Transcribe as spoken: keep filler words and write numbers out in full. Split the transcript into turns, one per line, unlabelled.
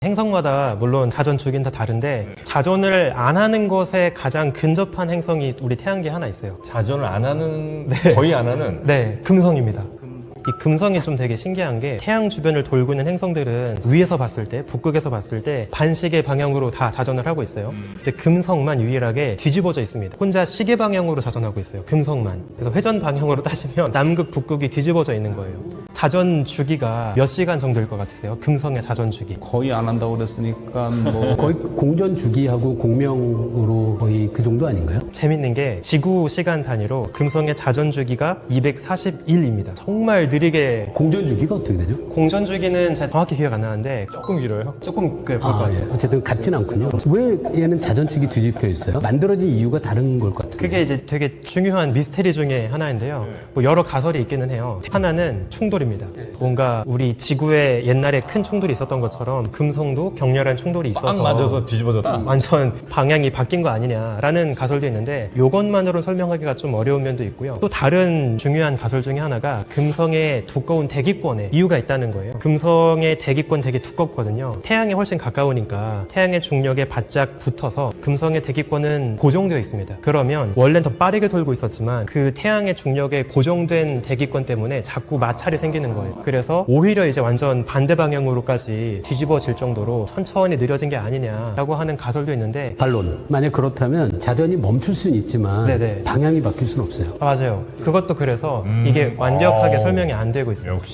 행성마다 물론 자전 주기는 다 다른데 자전을 안 하는 것에 가장 근접한 행성이 우리 태양계에 하나 있어요.
자전을 안 하는,
네.
거의 안 하는.
네, 금성입니다. 이 금성이 좀 되게 신기한 게 태양 주변을 돌고 있는 행성들은 위에서 봤을 때, 북극에서 봤을 때 반시계 방향으로 다 자전을 하고 있어요. 근데 금성만 유일하게 뒤집어져 있습니다. 혼자 시계 방향으로 자전하고 있어요. 금성만. 그래서 회전 방향으로 따지면 남극, 북극이 뒤집어져 있는 거예요. 자전 주기가 몇 시간 정도일 것 같으세요? 금성의 자전 주기.
거의 안 한다고 그랬으니까 뭐
거의 공전 주기하고 공명으로 거의 그 정도 아닌가요?
재밌는 게 지구 시간 단위로 금성의 자전 주기가 이백사십일입니다. 정말 느리게.
공전 주기가 어떻게 되죠?
공전 주기는 제가 정확히 기억 안 나는데
조금 길어요.
조금 그럴 것
아,
같아요.
예. 어쨌든 같진 않군요. 왜 얘는 자전축이 뒤집혀 있어요? 만들어진 이유가 다른 걸 것 같은데.
그게 이제 되게 중요한 미스테리 중에 하나인데요. 뭐 여러 가설이 있기는 해요. 하나는 충돌입니다. 뭔가 우리 지구에 옛날에 큰 충돌이 있었던 것처럼 금성도 격렬한 충돌이 있어서
빵 맞아서 뒤집어졌다.
완전 방향이 바뀐 거 아니냐라는 가설도 있는데 이것만으로 설명하기가 좀 어려운 면도 있고요. 또 다른 중요한 가설 중에 하나가 금성의 두꺼운 대기권에 이유가 있다는 거예요. 금성의 대기권 되게 두껍거든요. 태양에 훨씬 가까우니까 태양의 중력에 바짝 붙어서 금성의 대기권은 고정되어 있습니다. 그러면 원래는 더 빠르게 돌고 있었지만 그 태양의 중력에 고정된 대기권 때문에 자꾸 마찰이 생기는 거예요. 그래서 오히려 이제 완전 반대 방향으로까지 뒤집어질 정도로 천천히 느려진 게 아니냐라고 하는 가설도 있는데
반론. 만약 그렇다면 자전이 멈출 수는 있지만
네네.
방향이 바뀔 수는 없어요.
아, 맞아요. 그것도 그래서 이게 완벽하게 설명이 안 되고 있어요.
역시.